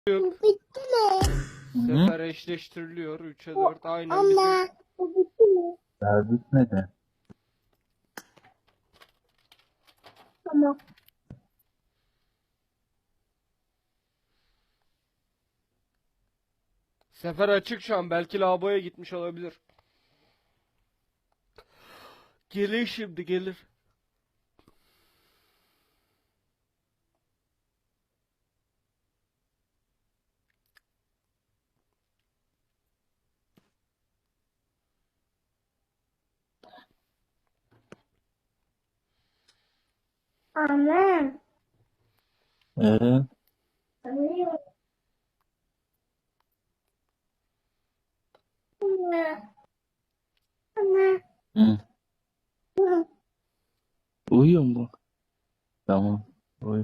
Bitti mi? Sefer eşleştiriliyor. 3'e 4 aynen Ama bizim. bu bitti mi? Daha bitmedi. Tamam. Sefer açık şu an. Belki lavaboya gitmiş olabilir. Gelir şimdi gelir. Ama. Ee, Anlıyorum. Ama. Ama. hı. Ama. Uyuyor mu? Tamam. Uyu.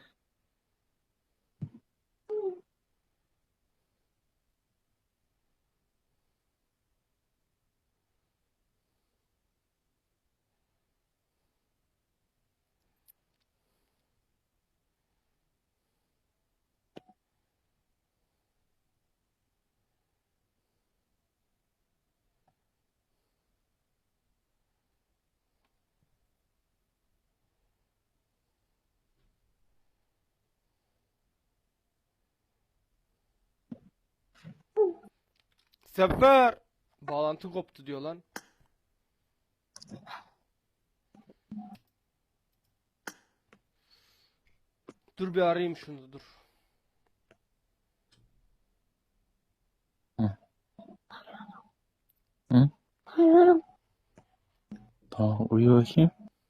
Sefer! Bağlantı koptu diyor lan. Dur bir arayayım şunu dur. Hı. Hı? Anlıyorum. Tamam uyu bakayım.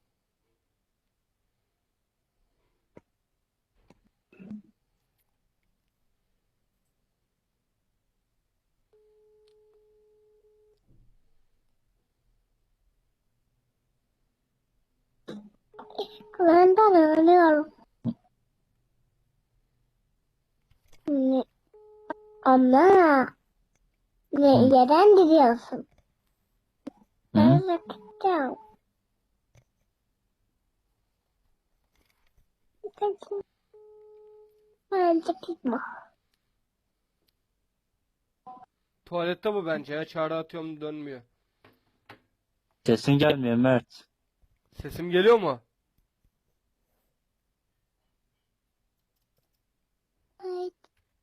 Ben ölüyorum. Ne? Ama. Hı. Neden gidiyorsun? Hı? Ben bakacağım. Bence gitme. Tuvalette bu bence ya. Çağrı atıyorum dönmüyor. Sesin gelmiyor Mert. Sesim geliyor mu?